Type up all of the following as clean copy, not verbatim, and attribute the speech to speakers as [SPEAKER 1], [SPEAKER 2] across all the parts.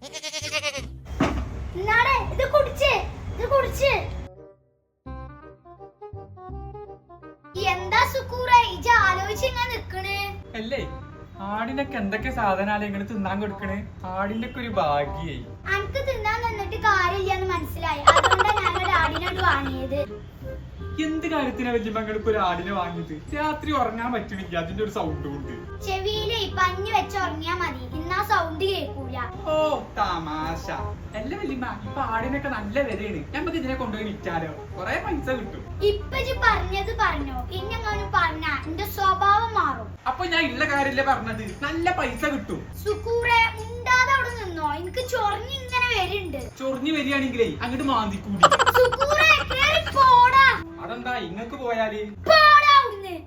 [SPEAKER 1] എന്താ സുക്കൂറേ ഇജ്ജ് ആലോചിച്ചിങ്ങനെ നിക്കണേ?
[SPEAKER 2] അല്ലേ ആടിനൊക്കെ എന്തൊക്കെ സാധനാലേ ഇങ്ങനെ തിന്നാൻ കൊടുക്കണേ? ആടിന്റെ ഒക്കെ ഒരു ഭാഗ്യായി.
[SPEAKER 1] അനക്ക് തിന്നാൻ നിന്നിട്ട് കാര്യമില്ലെന്ന് മനസ്സിലായി. അതുകൊണ്ടാണ് ഞങ്ങൾ ആടിനോട് വാങ്ങിയത്.
[SPEAKER 2] എന്ത് കാര്യത്തിനാ വല്യമ്മങ്ങൾക്ക് ഒരു ആടിനെ വാങ്ങിയത്? രാത്രി ഉറങ്ങാൻ പറ്റണില്ല അതിന്റെ ഒരു സൗണ്ട് കൊണ്ട്.
[SPEAKER 1] ചെവിയില് പഞ്ഞു വെച്ച് ഉറങ്ങിയാ മതി, ഇന്നാ സൗണ്ട് കേൾക്കൂല.
[SPEAKER 2] ഓ തമാശ. അല്ല വല്യമ്മ, ഇപ്പൊ ആടിനൊക്കെ നല്ല വിലയാണ്. നമുക്ക് ഇതിനെ കൊണ്ടുപോയി വിറ്റാലോ, കൊറേ പൈസ കിട്ടും.
[SPEAKER 1] ഇപ്പൊ പറഞ്ഞത് പറഞ്ഞോ, ഇന്നെങ്ങാനും പറഞ്ഞ എന്റെ സ്വഭാവം മാറും.
[SPEAKER 2] അപ്പൊ ഞാൻ ഉള്ള കാര്യല്ലേ പറഞ്ഞത്, നല്ല പൈസ കിട്ടും.
[SPEAKER 1] സുക്കൂറെ മുണ്ടാതെ അവിടെ നിന്നോ, എനിക്ക് ചൊറിഞ്ഞ് ഇങ്ങനെ വരുന്നുണ്ട്.
[SPEAKER 2] ചൊറിഞ്ഞു വരികയാണെങ്കിലേ അങ്ങോട്ട് മാന്തിക്കൂടി.
[SPEAKER 1] സുക്കൂറെ കേറി പോടാ.
[SPEAKER 2] അതെന്താ ഇങ്ങക്ക് പോയാല്?
[SPEAKER 1] പോടാ അവിടുന്ന്.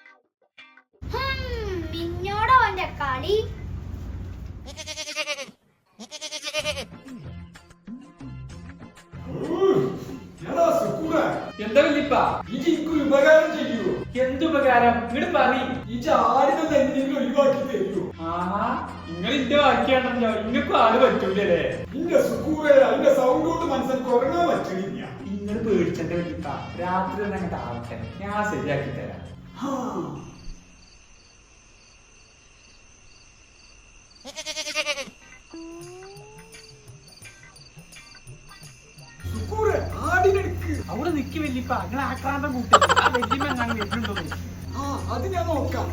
[SPEAKER 1] മിന്നോടോ അവന്റെ കളി.
[SPEAKER 2] എന്താ വല്യപ്പ?
[SPEAKER 3] ഉപകാരം ചെയ്യൂ.
[SPEAKER 2] എന്തുപകാരം? ഇങ്ങോട്ട് പറ.
[SPEAKER 3] ഈ ആടിനെ എന്തെങ്കിലും ഒഴിവാക്കി തരൂ.
[SPEAKER 2] ആഹാ, നിങ്ങൾ ഇന്റെ ബാക്കിയാണല്ലോ. ഇങ്ങക്കും ആട് പറ്റൂലേ?
[SPEAKER 3] ഇന്റെ സുക്കൂറെ അതിന്റെ സൗണ്ട് കൊണ്ട് മനസ്സിൽ ഉറങ്ങാൻ പറ്റണില്ല.
[SPEAKER 2] നിങ്ങൾ പേടിച്ചെന്റെ വല്യപ്പ, രാത്രി തന്നെ അങ്ങോട്ട് ആവട്ടെ, ഞാൻ ശരിയാക്കി തരാം. അവിടെ നിക്ക് വല്യപ്പ, നിങ്ങൾ ആക്രാന്തം കൂട്ടി. ആ വല്യമ്മ ഞാൻ വരുന്നുണ്ടോ?
[SPEAKER 3] അത് ഞാൻ നോക്കാം.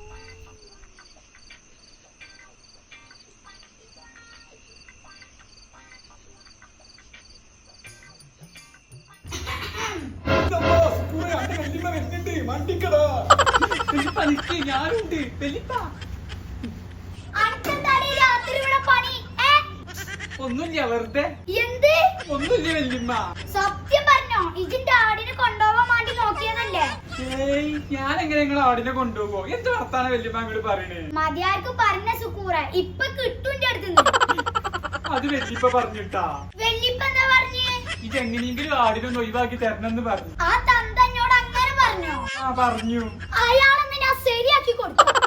[SPEAKER 2] ഞാനുണ്ട് വല്യപ്പ. ഒന്നുമില്ല, വെറുതെ.
[SPEAKER 1] എന്ത്?
[SPEAKER 2] ഒന്നുമില്ല വല്യമ്മ.
[SPEAKER 1] സത്യം പറഞ്ഞോ, ഇതിന്റെ ആടിനെ കൊണ്ടുപോകാൻ വേണ്ടി നോക്കിയതല്ലേ?
[SPEAKER 2] ഏയ്, ഞാൻ എങ്ങനെ നിങ്ങളെ ആടിനെ കൊണ്ടുപോകോ? എന്ത് വർത്താനം വല്യമ്മ അങ്ങോട്ട് പറയണേ?
[SPEAKER 1] മതിയാർക്ക് പറഞ്ഞ സുക്കൂറ, ഇപ്പൊ കിട്ടുന്റെ അടുത്ത്.
[SPEAKER 2] അത് വല്യപ്പ പറഞ്ഞിട്ടാ.
[SPEAKER 1] വല്യപ്പ എന്താ പറഞ്ഞേ?
[SPEAKER 2] ഇതെങ്ങനെയെങ്കിലും ആടിനൊന്ന് ഒഴിവാക്കി തരണമെന്ന് പറഞ്ഞു.
[SPEAKER 1] ആ തന്തന്നോട് അങ്ങനെ പറഞ്ഞോ?
[SPEAKER 2] ആ പറഞ്ഞു.
[SPEAKER 1] അയാളെന്ന് ഞാൻ ശരിയാക്കി കൊടുത്തു.